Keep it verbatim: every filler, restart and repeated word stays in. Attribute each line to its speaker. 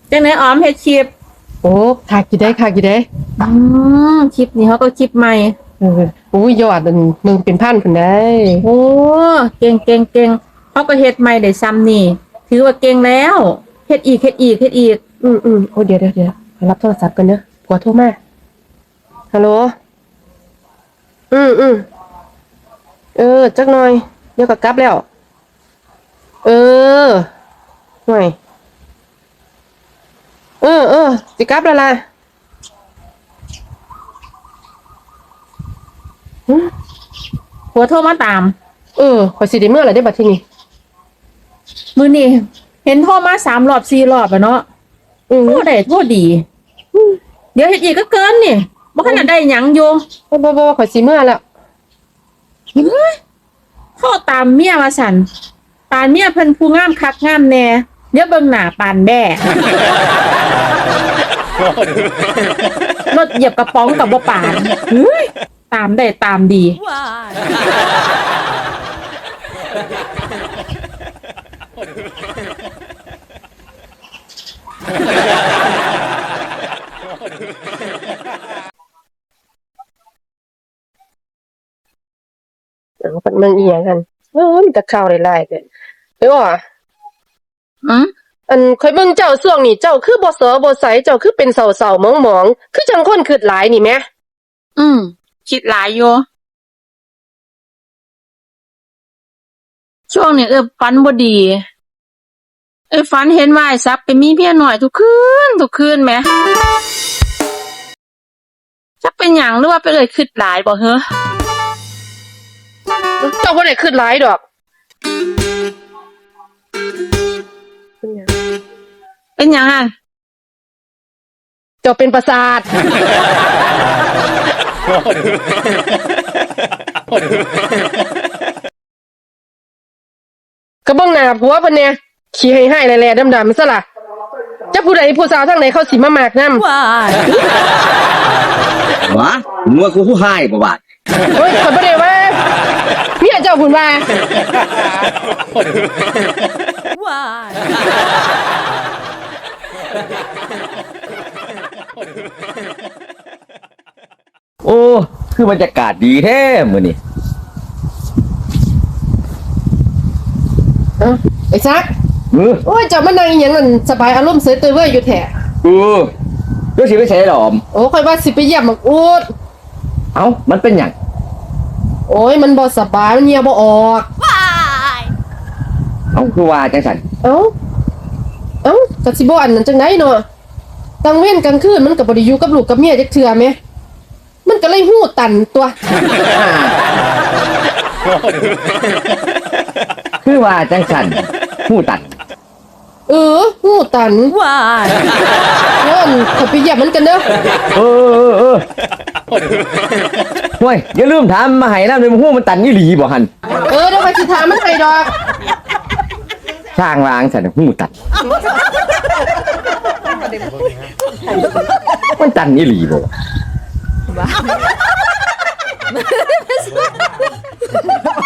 Speaker 1: จังไหนออมเฮ็ดคลิป
Speaker 2: โอ้ขากี่ได้ขากี่ได้
Speaker 1: อืมคลิปนี้เขาก็คลิปใหม่
Speaker 2: เออโอ้ยยอดอันหนึ่งเป็นพันคนได้
Speaker 1: โอ้เก่งเก่งเก่งเขาก็เฮ็ดใหม่ได้ซ้ำนี่ถือว่าเก่งแล้วเฮ็ดอีกเฮ็ดอีกเฮ็ดอีก
Speaker 2: อืมอืมโอ้เดี๋ยวเดี๋ยวเดี๋ยวรับโทรศัพท์กันเนอะผัวโทรมาฮัลโหลอืมอืมเออจักหน่อยเดี๋ยวก็กลับแล้วเออหน่อยเออเออสิกลับแล้วล่ะ
Speaker 1: หัวโทรมาตาม
Speaker 2: เออข่อยสิได้เมื่อไหร่ได้บัดทีนี้
Speaker 1: มื้อนี้เห็นโทรมาสามรอบสี่รอบอะเนาะ
Speaker 2: อือ
Speaker 1: โทรได้โทรดีเดี๋ยวเฮ็ดอีกก็เกินนี่บ่ทันได้หยังอยู่
Speaker 2: บ่บ่บ่ข่อยสิเมื่อแล้ว
Speaker 1: โทรตามเมียว่าซั่นปานเมียเพิ่นผู้งามคักงามแน่เดี๋ยวเบิ่งหน้าปานแบ้รถเหยียบกระป๋องกับบ่ปานเฮ้ยตามได้ตามดี
Speaker 2: เออมันอีหยังกันเออมันก็เข้าหลายๆเด้อเด้อว่ะ
Speaker 1: อือ
Speaker 2: อันข่อยเบิ่งเจ้าช่วงนี้เจ้าคือบ่เสอบ่ใสเจ้าคือเป็นเศร้าๆหมองๆคือจังคนคิดหลายนี่แหม
Speaker 1: อืมคิดหลายอยู่ช่วงนี้เออฝันบ่ดีเอ้ยฝันเห็นว่าไอ้ซับไปมีเมียน้อยทุกคืนทุกคืนแหมจักเป็นหยังหรือว่าไปเลยคิดหลายบ่เหรอ
Speaker 2: เจ้าบ่ได้คิดหลายดอก
Speaker 1: เป็นหยังอ่ะ
Speaker 2: เจ้าเป็นประสาทก็เบิ่งหน้าผัวเพิ่นแน่ขี้ให้ๆแหล่ๆดำๆซะล่ะจักผู้ใดผู้สาวทางไหนเขาสิมามากนำ
Speaker 1: ว้าย
Speaker 3: หวะมึงว่ากูผู้ให้บ่บาด
Speaker 2: โอ้ยข่อยบ่ได้ว่าเมียเจ้าพุ่นว่า
Speaker 1: ว้าย
Speaker 3: โอ้คือบรรยากาศดีแท้มื้อนี้
Speaker 2: เอ้าไอ้ซัก
Speaker 3: เออ
Speaker 2: โอ้ยเจ้ามานั่งอีหยังนั่นสบายอารมณ์เสยเตยเว้ยอยู่แท้
Speaker 3: เออเดี๋ยวสิไปใช้หรอม
Speaker 2: โอ้ข่อยว่าสิไปเยี่ยมบักอูด
Speaker 3: เอ้ามันเป็นหยัง
Speaker 2: โอ้ยมันบ่สบายมันเหี่ยวบ่ออก
Speaker 3: เอ้าคือว่าจังซั่น
Speaker 2: เอ้าเอ้าก็สิบ่อันนั้นจังได๋เนาะกลางเว้นกลางคืนมันก็บ่ได้อยู่กับลูกกับเมียจักเทื่อแหมมันก็เลยหู้ตันตัว
Speaker 3: คือว่าจังซั่นฮู้ตัด
Speaker 2: เออหู้ตัน
Speaker 1: ว้าย
Speaker 2: เอิ้นขอไปเยี่ยมมันกันเด้อ
Speaker 3: เออเออโอ้ยอย่าลืมถามมาให้นำเลยฮู้มันตันอีหลีบ่หั่น
Speaker 2: เออเดี๋ยวไปสิถามมันให้ดอก
Speaker 3: ช่างวางซั่นฮู้ตัดมันตันอีหลีบ่